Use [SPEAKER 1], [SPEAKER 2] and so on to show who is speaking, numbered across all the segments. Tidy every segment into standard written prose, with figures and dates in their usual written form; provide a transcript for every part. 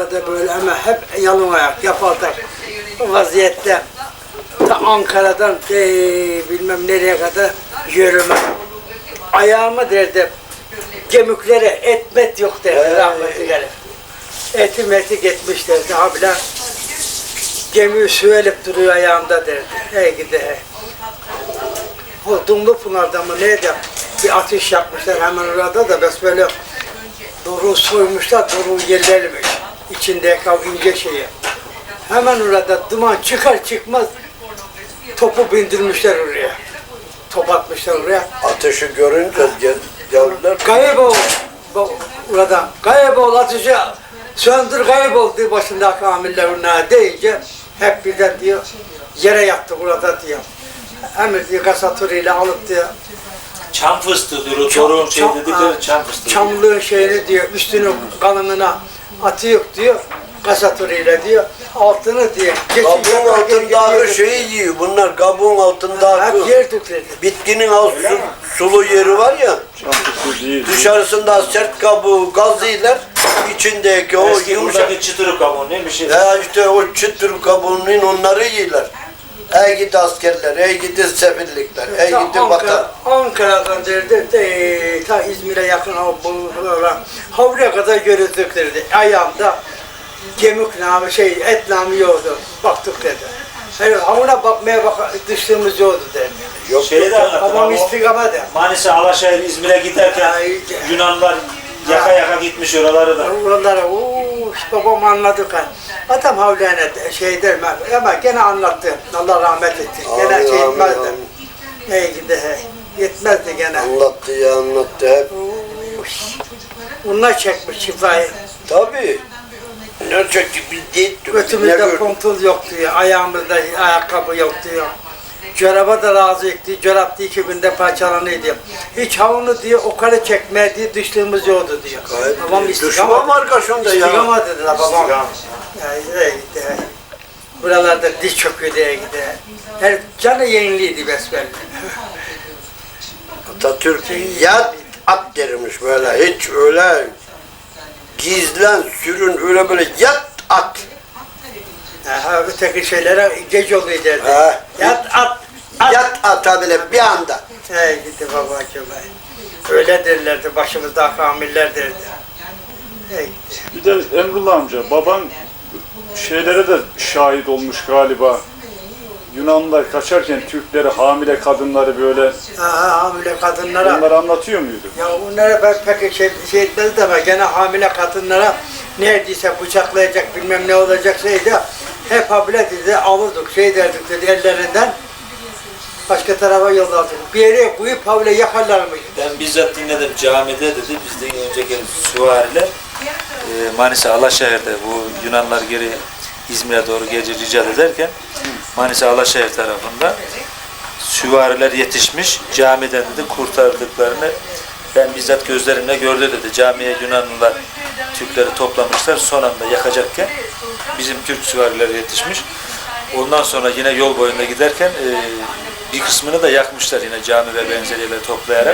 [SPEAKER 1] burada böyle ama hep yalın ayak yapaldak vaziyette ta Ankara'dan bilmem nereye kadar yürüme. Ayağımı derdi kemiklere etmet yok derdi rahmetli. Eti meti gitmiş derdi abiler. Gemiyi süvelip duruyor ayağımda derdi. Hey gidi hey. O Dumlupınar'da mı neydi? Bir ateş yapmışlar hemen orada da bes böyle doruğu soymuşlar, doruğu yerlermiş. İçindeki o ince şeyi. Hemen orada duman çıkar çıkmaz topu bindirmişler oraya. Top atmışlar oraya.
[SPEAKER 2] Ateşi görünce geldiler.
[SPEAKER 1] Kaybol orada. Kaybol ateşi söndür kaybol diye başındaki amirler ona deyince hep birden diyor yere yattı burada diyor. Emir diyor kasatörüyle alıp diyor.
[SPEAKER 3] Çam fıstığı diyor, çoruğun şey dedikleri çam fıstığı.
[SPEAKER 1] Çamlığın şeyini diyor, üstünü kalınına atıyor diyor, kasatörüyle diyor, altını diyor.
[SPEAKER 2] Kabuğun altındaki şeyi yiyor. Bunlar kabuğun altındaki
[SPEAKER 1] yer dökülür.
[SPEAKER 2] bitkinin alt sulu yeri var ya. Dışarısında sert kabuğu gazıyla içindeki o
[SPEAKER 3] Eski
[SPEAKER 2] yumuşak.
[SPEAKER 3] buradaki çıtırık kabuğu ne bir şey.
[SPEAKER 2] Ya işte o çıtır kabuğunun onları yiyorlar. Ey gidi askerler, ey gidi sefillikler, ey gidi vatan.
[SPEAKER 1] Ankara'dan derdi, ta İzmir'e yakın Havlu'ya kadar görüldüklerdi. Ayağımda kemik namı, et namı yoktu. Baktık dedi. Yani havuna bakmaya düştüğümüz yoktu dedi.
[SPEAKER 2] Yok
[SPEAKER 3] Şeyi de anlatın
[SPEAKER 1] Babam
[SPEAKER 3] ama
[SPEAKER 1] istikamete.
[SPEAKER 3] Manisa, Alaşehir, İzmir'e giderken Yunanlar yaka gitmiş oraları da.
[SPEAKER 1] Oralara babam anladı kan. Adam havlana der ama gene anlattı. Allah rahmet etti. Gene etmezdi. Hey gidi hey. Yetmezdi gene.
[SPEAKER 2] Anlattı ya anlattı hep.
[SPEAKER 1] Onlar çekmiş şifayı.
[SPEAKER 2] Tabii. Ne çekti biz değil.
[SPEAKER 1] Götümüzde kontul yok diyor. Ayağımızda ayakkabı yok diyor. Çoraba da razıydı. Çorap da 2000'de parçalanıyordu. Hiç havunu diyor o kadar çekmeye diye düştüğümüz yoktu diyor. Babam
[SPEAKER 2] Düşman arkasında ya.
[SPEAKER 1] İstikama dediler babam. Gitti. Buralarda diz çöküyor diye gitti. Her canı yeniliydi besbelli.
[SPEAKER 2] Atatürk yat at dermiş böyle hiç öyle gizlen sürün öyle böyle yat at.
[SPEAKER 1] Öteki şeylere geç oluyor derdi. Yat at.
[SPEAKER 2] Yat at böyle bir anda.
[SPEAKER 1] Gitti babacığım. Öyle derlerdi başımızda kamiller derdi. Gitti.
[SPEAKER 4] Bir de Emrullah amca, baban şeylere de şahit olmuş galiba. Yunanlılar kaçarken Türkleri, hamile kadınları böyle
[SPEAKER 1] Hamile kadınlara.
[SPEAKER 4] onları anlatıyor muydu?
[SPEAKER 1] Ya onlara ben pek şey etmezdi ama gene hamile kadınlara neredeyse bıçaklayacak bilmem ne olacak şeydi. Hep hamile dedi alırdık derdik dedi ellerinden. Başka tarafa yollardık. Bir yere koyup havle yakarlarmış.
[SPEAKER 3] Ben bizzat dinledim camide dedi bizden önceki süvariler Manisa Alaşehir'de bu Yunanlar geri İzmir'e doğru gece ricat ederken Manisa Alaşehir tarafında süvariler yetişmiş camiden dedi kurtardıklarını ben bizzat gözlerimle gördü dedi. Camiye Yunanlılar Türkleri toplamışlar son anda yakacakken bizim Türk süvarileri yetişmiş. Ondan sonra yine yol boyunda giderken bir kısmını da yakmışlar yine cami ve benzeri yerleri toplayarak.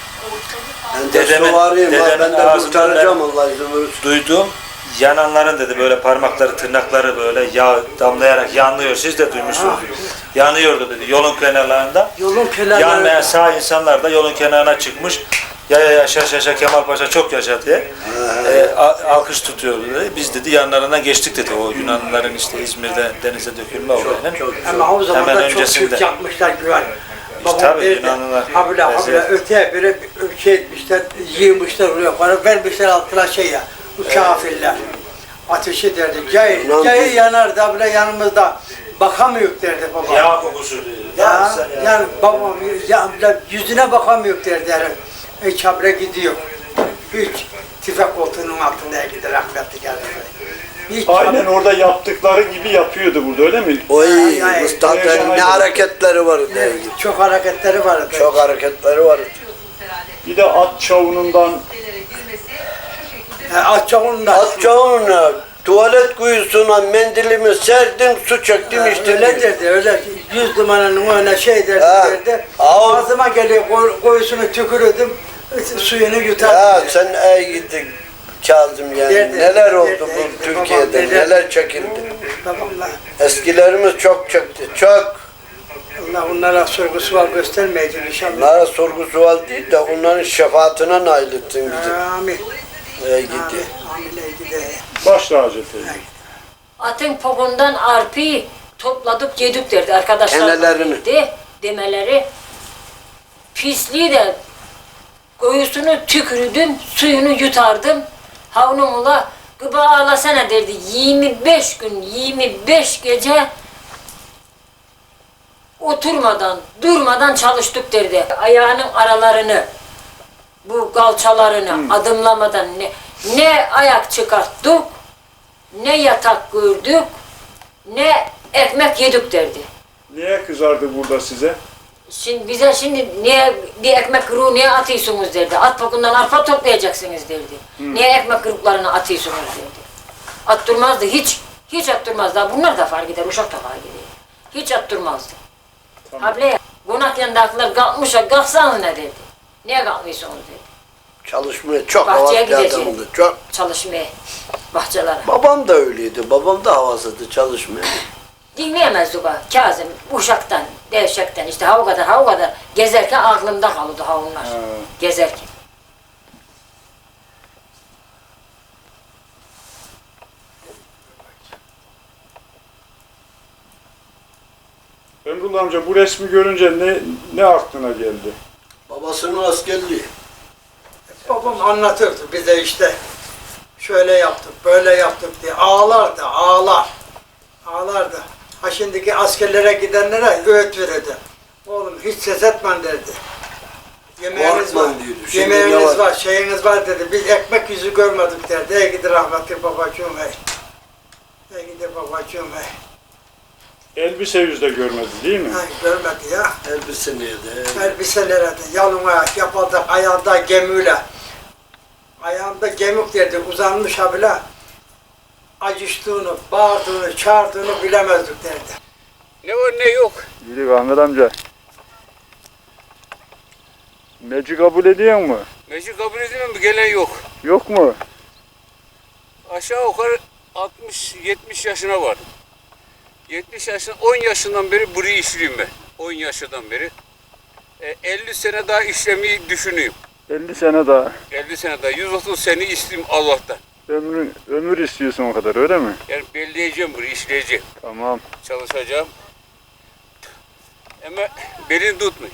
[SPEAKER 2] Ben de kurtaracağım Allah izin verirse.
[SPEAKER 3] Duyduğum yananların dedi böyle parmakları tırnakları böyle yağ damlayarak yanıyor. Siz de duymuşsunuz. Yanıyordu dedi yolun kenarlarında.
[SPEAKER 1] Yolun kenarlarında.
[SPEAKER 3] Yanmayan sağ insanlar da yolun kenarına çıkmış. Ya yaşa Kemal Paşa çok yaşa diye alkış tutuyordu dedi. Biz dedi yanlarından geçtik dedi o Yunanlıların işte İzmir'de denize dökülme olayının.
[SPEAKER 1] Ama o zaman
[SPEAKER 3] hemen
[SPEAKER 1] da çok
[SPEAKER 3] öncesinde.
[SPEAKER 1] Türk yapmışlar güven. Babam
[SPEAKER 3] tabii,
[SPEAKER 1] derdi,
[SPEAKER 3] Yunanlılar.
[SPEAKER 1] habire öteye biri şey etmişler, yığmışlar oraya, para vermişler altına ya, bu kafirler. Ateşi derdi, cayır yanardı, habire yanımızda, bakamıyor derdi babam.
[SPEAKER 3] Yağ kokusu diyor.
[SPEAKER 1] Yani babam yüzüne bakamıyor derdi, hiç habire gidiyor. Hiç tüfek koltuğunun altında gider rahmetli geldi.
[SPEAKER 4] Aynen orada yaptıkları gibi yapıyordu burada öyle mi?
[SPEAKER 2] Oy Mustafa'nın ne hareketleri vardı.
[SPEAKER 1] Çok hareketleri vardı.
[SPEAKER 2] Çok hareketleri vardı.
[SPEAKER 4] Bir de at çavunundan
[SPEAKER 1] At
[SPEAKER 2] çavununa tuvalet kuyusuna mendilimi serdim, su çektim işte.
[SPEAKER 1] Öyle derdi, öyle 100 numaranın önüne derdi. Ağzıma geliyor, koyusunu tükürürdüm, suyunu yutardım.
[SPEAKER 2] Sen ey gittin. Kazım yani.
[SPEAKER 1] Derdi,
[SPEAKER 2] Neler oldu
[SPEAKER 1] derdi,
[SPEAKER 2] bu
[SPEAKER 1] derdi.
[SPEAKER 2] Türkiye'de,
[SPEAKER 1] Babam derdi.
[SPEAKER 2] neler çekildi.
[SPEAKER 1] Babamla
[SPEAKER 2] Eskilerimiz çok çekti, çok.
[SPEAKER 1] Allah onlara sorgu sual göstermeyecek inşallah.
[SPEAKER 2] Onlara sorgu sual değil de onların şefaatine nail etsin bizi.
[SPEAKER 1] Amin.
[SPEAKER 2] Ey gidi.
[SPEAKER 1] Amin. Ey gidi.
[SPEAKER 4] Başla Hacı teyze.
[SPEAKER 5] Atın pogundan arpayı topladık yedik derdi arkadaşlar.
[SPEAKER 2] Enelerini.
[SPEAKER 5] Demeleri. Pisliği de koyusunu tükürdüm, suyunu yutardım. Havlumla gıba ağlasana derdi. 25 gün, 25 gece oturmadan, durmadan çalıştık derdi. Ayağının aralarını, bu kalçalarını adımlamadan ne ayak çıkarttık, ne yatak gördük, ne ekmek yedik derdi.
[SPEAKER 4] Niye kızardı burada size?
[SPEAKER 5] Şimdi bize niye bir ekmek kırığı niye atıyorsunuz derdi. At pokundan arpa toplayacaksınız derdi. Niye ekmek kırıklarını atıyorsunuz derdi. Attırmazdı hiç attırmazdı. Bunlar da fark eder, uşak da fark eder. Hiç attırmazdı.
[SPEAKER 4] Tamam.
[SPEAKER 5] Ablaya konak yanındakiler kalkmışlar, kalksanız ne dedi. Niye kalkmıyorsunuz dedi.
[SPEAKER 2] Çalışmaya çok
[SPEAKER 5] Bahçeye
[SPEAKER 2] havaslı
[SPEAKER 5] gideceğim.
[SPEAKER 2] adamdı, çok.
[SPEAKER 5] Çalışmaya, bahçelere.
[SPEAKER 2] Babam da öyleydi, babam da havasıydı çalışmaya.
[SPEAKER 5] Dinleyemezdik ha Kazım, uşaktan, devşekten işte ha o kadar gezerken aklımda kalırdı ha onlar. Gezerken.
[SPEAKER 4] Emrullah amca bu resmi görünce ne aklına geldi?
[SPEAKER 2] Babasının askerliği.
[SPEAKER 1] Babam anlatırdı bize işte. Şöyle yaptık, böyle yaptık diye. Ağlardı, ağlardı. Ha şimdiki askerlere gidenlere öğüt verirdi. Oğlum hiç ses etmen derdi. Yemeğiniz
[SPEAKER 2] Korkma
[SPEAKER 1] var,
[SPEAKER 2] diyordu. Şimdi
[SPEAKER 1] yemeğiniz
[SPEAKER 2] ne var?
[SPEAKER 1] var, şeyiniz var dedi. Biz ekmek yüzü görmedik derdi. Ey gidi rahmetli babacığım hey. Ey gidi babacığım hey.
[SPEAKER 4] Elbise yüzde görmedi değil mi?
[SPEAKER 1] Ay, görmedi ya.
[SPEAKER 2] Elbise neydi?
[SPEAKER 1] Elbiselere de yalın ayak yapıldı, ayağında gemiyle. Ayağında gemik derdi, uzanmış ha bile. Acıştığını, bağırdığını, çağırdığını bilemezdik derdi.
[SPEAKER 6] Ne var ne yok.
[SPEAKER 4] İyilik Ahmet amca. Meci kabul ediyor mu?
[SPEAKER 6] Meclis kabul edilmem mi? Gelen yok.
[SPEAKER 4] Yok mu?
[SPEAKER 6] Aşağı yukarı 60-70 yaşına vardım. 70 yaşında, 10 yaşından beri burayı işliyorum ben. 10 yaşından beri. 50 sene daha işlemeyi düşünüyorum.
[SPEAKER 4] 50 sene daha.
[SPEAKER 6] 50 sene daha, 130 sene isteyeyim Allah'tan.
[SPEAKER 4] Ömür istiyorsun o kadar öyle mi?
[SPEAKER 6] Yani belleyeceğim burayı, işleyeceğim.
[SPEAKER 4] Tamam.
[SPEAKER 6] Çalışacağım. Ama belini tutmayın.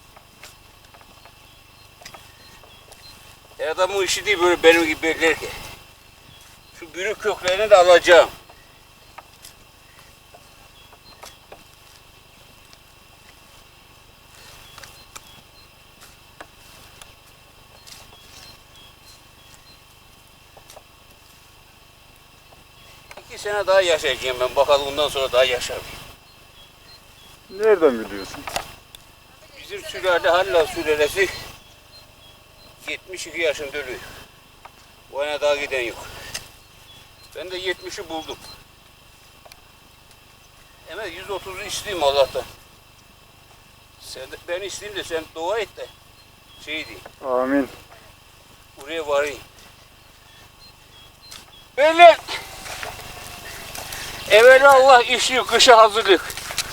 [SPEAKER 6] Adamın işi değil böyle benim gibi beklerken. Şu bürük köklerini de alacağım. İki sene daha yaşayacağım ben. Bakalım bundan sonra daha yaşar mıyım?
[SPEAKER 4] Nereden biliyorsun?
[SPEAKER 6] Bizim sülale Halla sülalesi 72 yaşında ölüyor. Bu yana daha giden yok. Ben de 70'i buldum. Ama 130'u isteyeyim Allah'tan. Sen de, ben isteyeyim de sen dua et de şey değil.
[SPEAKER 4] Amin.
[SPEAKER 6] Buraya varayım. Böyle evvelallah işi kışa hazırlık.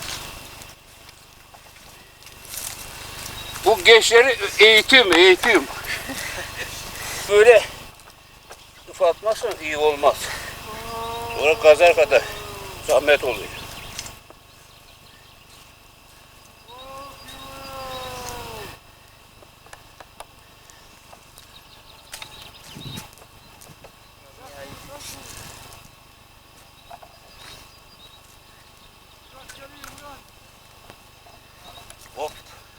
[SPEAKER 6] Bu gençleri eğitim. Böyle ufaltmazsan iyi olmaz. Sonra kazar kadar zahmet oluyor. Hop.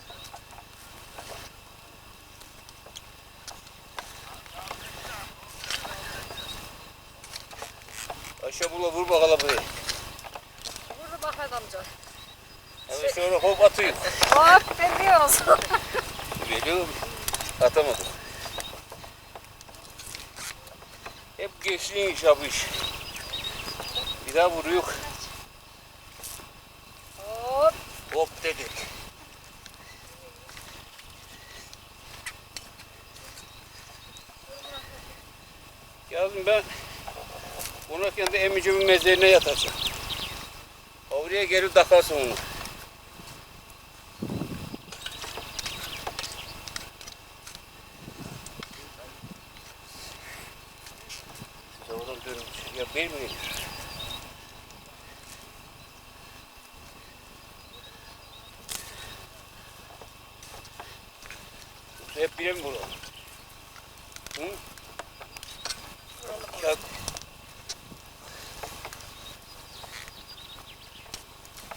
[SPEAKER 6] Ayşe bula vur bakalım buraya.
[SPEAKER 7] Vur bakalım amca.
[SPEAKER 6] Evet şöyle hop atıyor.
[SPEAKER 7] Hop demiyoruz.
[SPEAKER 6] Geliyor mu? Atamadım. Hep gençliğin iş bu iş. Bir daha vuruyor.
[SPEAKER 7] Hop.
[SPEAKER 6] Hop dedik. Yazın ben konarken de emicimin mezarına yatacağım. Oraya gelip takarsın onu. Siz oradan dönün. Ya bir mi? Hep bile mi burada? Hı? Ya